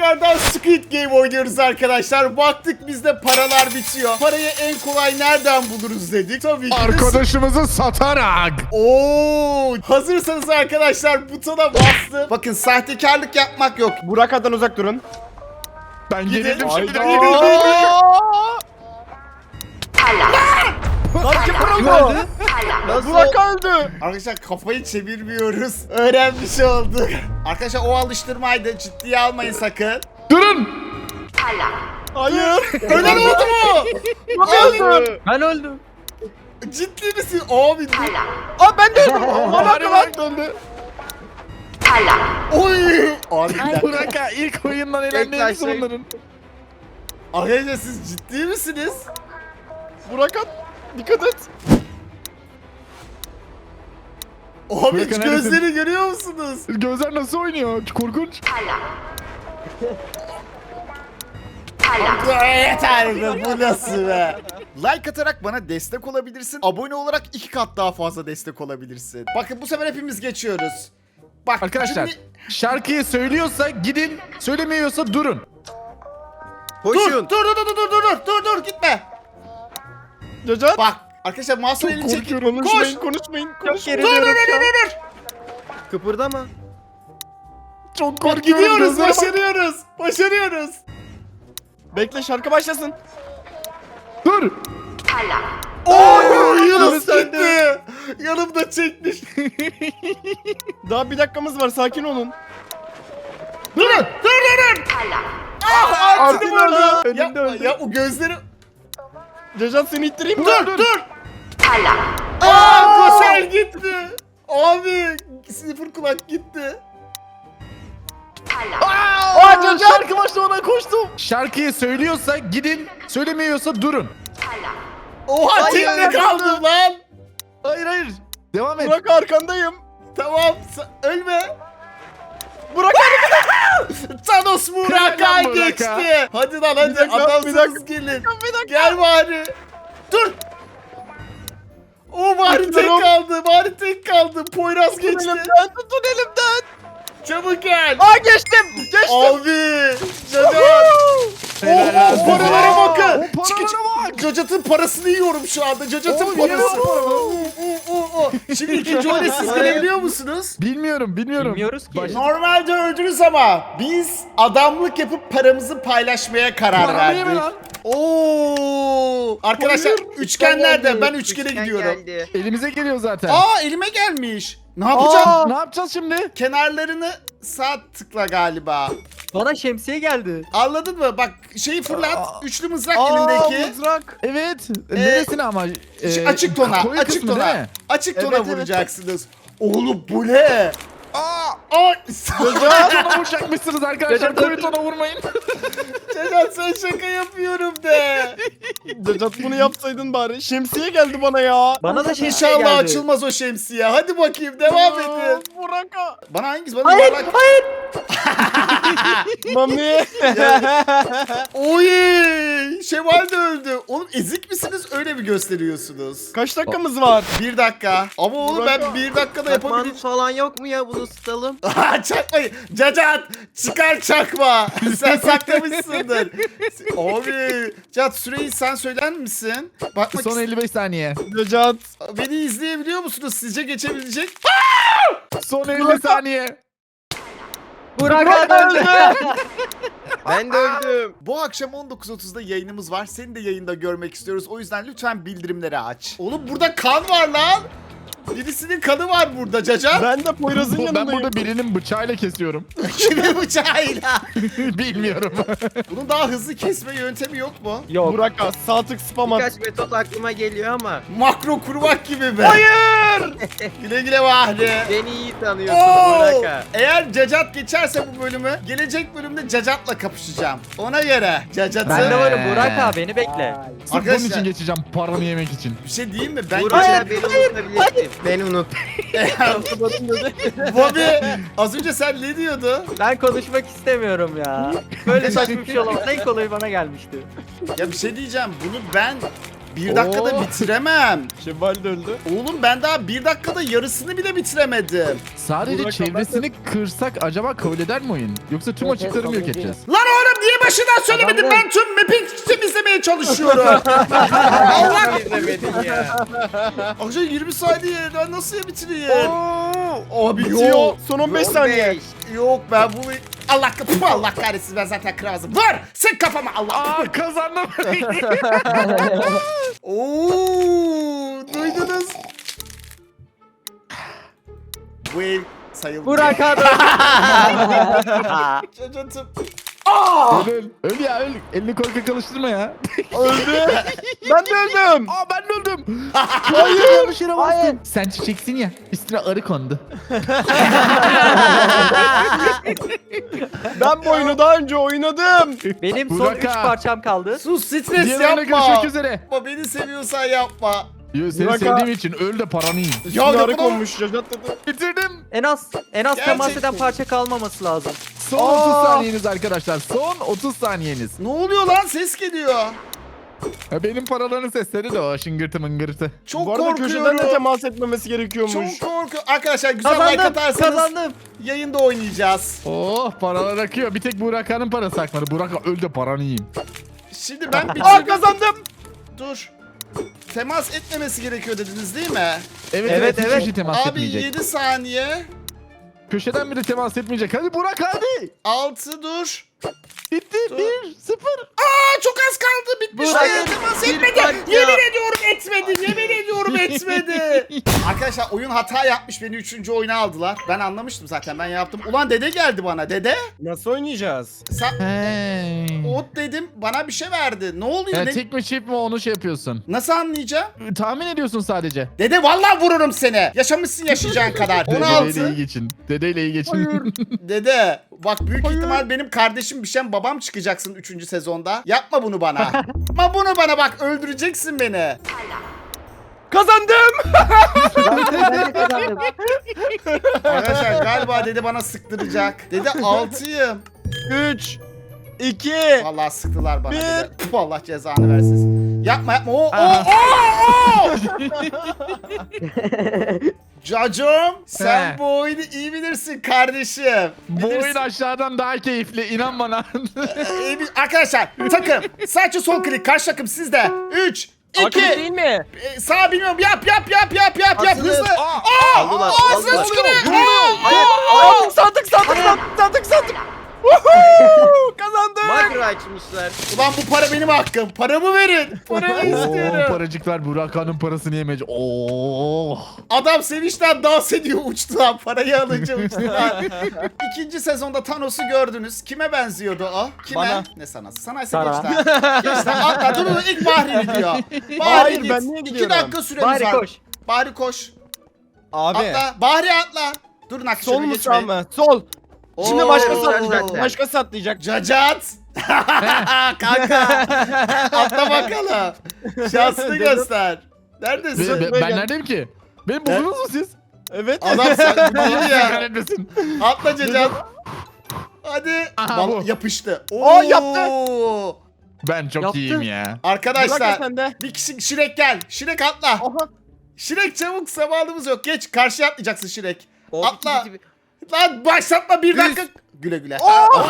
tekrardan Squid Game oynuyoruz arkadaşlar. Baktık bizde paralar bitiyor. Parayı en kolay nereden buluruz dedik. Tabii ki de Arkadaşımızı satarak. Oo, hazırsanız arkadaşlar butona bastım. Bakın sahtekarlık yapmak yok. Burak'tan uzak durun. Ben Gidin. yenildim şimdi. Lan kim öldü? Burak öldü. Arkadaşlar kafayı çevirmiyoruz. Öğrenmiş olduk. Arkadaşlar o alıştırmaydı. Ciddiye almayın sakın. Durun. Hayır. Ölen oldu mu? Öldü. Ben öldüm. Ciddi misin? Abi dur. Aa ben de öldüm. Burak öldü. Oy. Abi bir dakika. Burak'a ilk oyundan elendi Bekle, hepsi şey- bunların. Arkadaşlar siz ciddi misiniz? Burak'a dikkat et. Abi hiç Bakın gözleri görüyor musunuz? Gözler nasıl oynuyor? Korkunç. Yeter be, bu nasıl be? Like atarak bana destek olabilirsin. Abone olarak 2 kat daha fazla destek olabilirsin. Bakın bu sefer hepimiz geçiyoruz. Bak Arkadaşlar cümle- şarkıyı söylüyorsa gidin, söylemiyorsa durun. Dur Koşun. dur gitme. Cacat. Bak arkadaşlar Mahsun Çok elini çek. korkuyorum. Koş. Konuşmayın. Dur dur. Kıpırdama. Çok Bak korkuyorum. gidiyoruz, gözlere bak. başarıyoruz. Bekle şarkı başlasın. Dur. Oo Yunus sen gitti. Yanımda çekmiş. Daha bir dakikamız var. Sakin olun. Durun. Ah Artin'i Artin vurdu. öldü. Önümde Yapma öldü. ya o gözleri. Cacat seni ittireyim mi? Dur. Aa Kosel gitti. Abi sıfır kulak gitti. Aa, şarkı başta ona koştum. Şarkıyı söylüyorsa gidin, söylemiyorsa durun. Oha Hayır, tekne hayır. kaldım lan. Hayır. Devam et. Burak arkandayım. Tamam ölme. Burak Thanos Burak'a Helal Burak'a. geçti. Hadi lan hadi Bir dakika, adamsınız gelin. Gel bari. Dur. O bari tek kaldı. Poyraz tutun geçti. elimden. Tutun elimden. Çabuk gel. Aa geçtim. Geçtim. Abi. Cacat. Helal olsun. Paralara bakın. O paralara bak. Cacat'ın parasını yiyorum şu anda. Cacat'ın Oğlum, parası. yiyorum. Şimdi ikinci oyuna siz gelebiliyor musunuz? Bilmiyorum. Bilmiyoruz ki. Normalde öldünüz ama biz adamlık yapıp paramızı paylaşmaya karar Para yeme verdik. lan. Oo! Arkadaşlar üçgen nerede? Ben üçgene gidiyorum. Elimize geliyor zaten. Aa elime gelmiş. Ne yapacağım? Ne yapacağız şimdi? Kenarlarını sağ tıkla galiba. Bana şemsiye geldi. Anladın mı? Bak şeyi fırlat. Üçlü mızrak Aa elindeki. mızrak. Evet. Neresine ama? Açık tona. koyu Açık kısmı değil tona. mi? Açık tona Evet, evet. vuracaksınız. Oğlum bu ne? Aa! Ay! Tona vuracakmışsınız arkadaşlar. Cacat, Koyu tona vurmayın. Cacat sen şaka yapıyorum de. Cacat bunu yapsaydın bari. Şemsiye geldi bana ya. Bana da şemsiye İnşallah geldi. açılmaz o şemsiye. Hadi bakayım devam edin. Burak'a. Bana hangisi? Bana Hayır, yuvarlak. hayır. Mami. Oy! Şevval de öldü. Oğlum ezik misiniz? Öyle mi gösteriyorsunuz? Kaç dakikamız var? 1 dakika. Ama oğlum ben 1 dakikada yapabilirim. falan yok mu ya, bunu ısıtalım? Çakmayın. Cacat çıkar çakma. Sen saklamışsındır. Abi. Cacat süreyi sen söyler misin? Bakmak Son 55 saniye. Cacat. Beni izleyebiliyor musunuz? Sizce geçebilecek? Son 50 saniye. Burak öldü. Ben de öldüm. Bu akşam 19.30'da yayınımız var. Seni de yayında görmek istiyoruz. O yüzden lütfen bildirimleri aç. Oğlum burada kan var lan. Birisinin kanı var burada Cacat. Ben de Poyraz'ın Ben yanındayım. burada birinin bıçağıyla kesiyorum. Kimin bıçağıyla? Bilmiyorum. Bunun daha hızlı kesme yöntemi yok mu? Yok. Burak'a sağ tık spam at. Birkaç metot aklıma geliyor ama Makro kurmak gibi mi? Hayır! Güle güle Bahri. beni iyi tanıyorsun Oo! Burak'a. Eğer Cacat geçerse bu bölümü, gelecek bölümde Cacat'la kapışacağım. Ona göre Cacat'ı... Ben de varım Burak abi, beni bekle. Sırf bunun Arkadaşlar- için geçeceğim paranı yemek için. Bir şey diyeyim mi? Ben Burak'a beni unutabilirsin. Beni unut. Bobby az önce sen ne diyordun? Ben konuşmak istemiyorum ya. Böyle saçma bir şey olamaz. En kolayı bana gelmişti. Ya bir şey diyeceğim. Bunu ben 1 dakikada Oo. bitiremem. Şevval de öldü. Oğlum ben daha 1 dakikada yarısını bile bitiremedim. Sadece Burak çevresini kırsak acaba kabul eder mi oyun? Yoksa tüm Evet, açıkları mı yok kabul edeceğiz? Lan oğlum niye başından söylemedin? Kazandım. Ben tüm map'i temizlemeye çalışıyorum. Allah izlemedin ya. Akşam 20 saniye ben nasıl bitireyim? Abi Bitiyor. yok. Son 15 saniye. Yok ben bunu... Allah kahretsin ben zaten kıramazım. Vur! Sık kafama Allah. Aa kazandım. Oo, duydunuz? Bu ev sayıldı. Burak abi. Çocuğum. öl, öl ya öl. Elini korkak alıştırma ya. Öldü. Ben de öldüm. Aa ben de öldüm. Hayır yanlış yere bastım. Sen çiçeksin ya. Üstüne arı kondu. Ben bu oyunu daha önce oynadım. Benim son Burak 3 abi. parçam kaldı. Sus stres Diğerlerine yapma. görüşmek üzere. Yapma beni seviyorsan yapma. Yo, seni Burak sevdiğim için öl de paranı yiyeyim. Ya Narık yapma. olmuş. Cacat dedi. Bitirdim. En az temas Gerçekten. eden parça kalmaması lazım. Son 30 saniyeniz arkadaşlar. Son 30 saniyeniz. Ne oluyor lan ses geliyor. Ha, benim paraların sesleri de o şıngırtı mıngırtı. Çok Bu arada köşeden de korkuyorum. temas etmemesi gerekiyormuş. Çok korkuyorum. Arkadaşlar güzel like Kazandım. atarsanız Kazandım. yayında oynayacağız. Oh paralar akıyor. Bir tek Burak Han'ın parası akmadı. Burak öl de paranı yiyeyim. Şimdi ben Aa bitirdim. kazandım. Dur. Temas etmemesi gerekiyor dediniz değil mi? Evet Evet. hiç kişi temas Abi etmeyecek. 7 saniye. Köşeden biri temas etmeyecek. Hadi Burak hadi. 6 dur. Bitti. Dur. 1-0. Aa çok az kaldı bitmiş. Burak, Hayır, temas bir etmedi. parça. Yemin ediyorum etmedi. Yemin ediyorum etmedi. Arkadaşlar oyun hata yapmış. Beni 3. oyuna aldılar. Ben anlamıştım zaten. Ben yaptım. Ulan dede geldi bana. Dede. Nasıl oynayacağız? Sen Hey. ot dedim. Bana bir şey verdi. Ne oluyor? Ya, Ne- tek mi çift mi onu şey yapıyorsun. Nasıl anlayacağım? Tahmin ediyorsun sadece. Dede vallahi vururum seni. Yaşamışsın yaşayacağın kadar. Dedeyle iyi 16. geçin. Dedeyle iyi geçin. Dede bak büyük ihtimal benim kardeşim Bişen babam çıkacaksın 3. sezonda. Yapma bunu bana. Yapma bunu bana bak öldüreceksin beni. Kazandım. Ben de kazandım. Arkadaşlar galiba dede bana sıktıracak. Dede 6'yım. 3 2 Vallahi sıktılar bana Bir. dede. Puh, Allah cezanı versin. Yapma yapma. Oo. Cacım sen He. bu oyunu iyi bilirsin kardeşim. Bu oyun Bilirsin. aşağıdan daha keyifli. İnan bana. Arkadaşlar takım sadece sol klik karşı takım sizde. 3 2 değil mi? Sağ bilmiyorum yap Asılır. hızlı. Aldılar. Ağzına Aldılar. tükürüyor. Sandık. Woohoo! Kazandım. Makro açmışlar. Ulan bu para benim hakkım. Paramı verin. Paramı Oo, istiyorum. paracıklar Burak Han'ın parasını yemeyecek. Oo. Adam sevinçten dans ediyor uçtu lan. Parayı alınca uçtu lan. 2. sezonda Thanos'u gördünüz. Kime benziyordu o? Kime? Bana. Ne sanası? Sana ise Sana. geç lan. Geç lan atla. Dur ilk Bahri gidiyor. Bahri Hayır, git. ben niye 2 gidiyorum? dakika süremiz Bari var. koş. Bahri koş. Abi. Atla. Bahri atla. Durun Sol akşamı mu sağ geçmeyin. mı? Sol. Şimdi Oo. başkası Oo. atlayacak. Başkası atlayacak. Cacat. Kanka. Atla bakalım. Şansını göster. Neredesin? Ben neredeyim ki? Beni buldunuz mu siz? Evet. Adam sen bu değil Allah ya. kahretmesin. Atla Cacat. Hadi. Aha, bu. Yapıştı. Aa, yaptı. Ben çok Yaptın. iyiyim ya. Bırak Arkadaşlar sende. bir kişi Şirek gel. Şirek atla. Oha. Şirek çabuk zamanımız yok. Geç karşıya atlayacaksın Şirek. Oldu Atla. gibi. Lan başlatma bir dakika. Güle güle.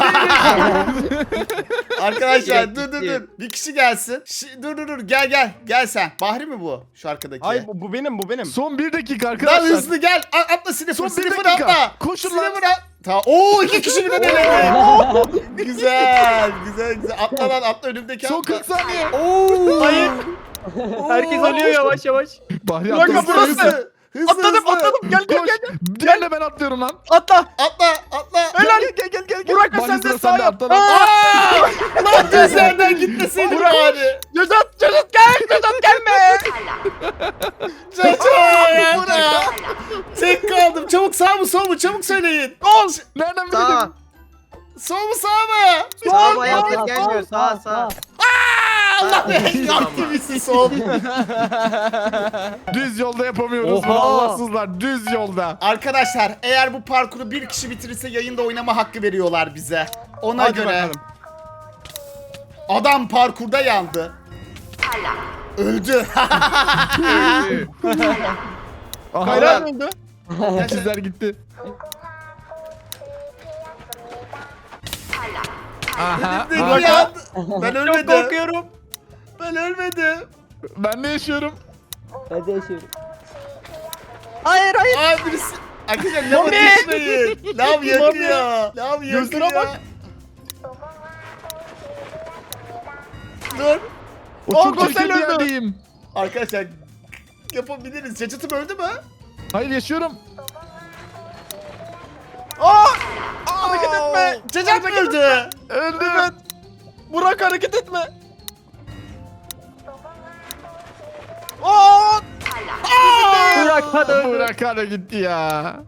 Arkadaşlar Şirek dur gitti. Bir kişi gelsin. Dur gel. Gel sen. Bahri mi bu? Şu arkadaki. Hayır bu benim. Son 1 dakika Lan arkadaşlar. hızlı gel. Atla Sniffer. Son bir Sniffer dakika. atla. Koşun lan. Sniffer at. Tamam. Oo 2 kişi birden eledi. güzel. Atla lan atla önümdeki Son atla. 40 saniye. Oo. Hayır. Herkes ölüyor yavaş yavaş. Bahri Bir dakika, atladı. burası. Atladım. Gel. Koş. Diğerine ben atlıyorum lan. Atla. Atla. Helal. Gel. Burak, Bahri, sen de sıra sağ sende, yap. atla lan. Aa! Lan gözlerden gitmeseydin bari. Cacat gel. Cacat gelme. Cacat. Tek kaldım. Çabuk sağ mı sol mu? Çabuk söyleyin. Gol. Nereden Sağ. bildin? Sol mu sağ mı? Sağ mı ayakta gelmiyor. Sağ. Allah be. Yaptı bizi sol. Düz yolda yapamıyoruz Oha. bunu Allahsızlar. Düz yolda. Arkadaşlar eğer bu parkuru bir kişi bitirirse yayında oynama hakkı veriyorlar bize. Ona Hadi göre. bakalım. Adam parkurda yandı. Öldü. Kayra öldü. İkizler gitti. Aha. Ne aha. ya? Ben Çok ölmedim. korkuyorum. Ben ölmedim. Ben de yaşıyorum. Ben de yaşıyorum. Hayır hayır. Ay birisi. Arkadaşlar lav ateşleyin. Lav yakıyor. Lav Gözlere yakıyor. bak. Dur. O çok Gosel çirkin bir öldü. yerdeyim. Arkadaşlar yapabiliriz. Cacıtım öldü mü? Hayır yaşıyorum. Hareket etme. Cacat mı öldü? Öldüm. Evet. Burak hareket etme. Aa! Burak hadi öldür. Burak hadi gitti ya.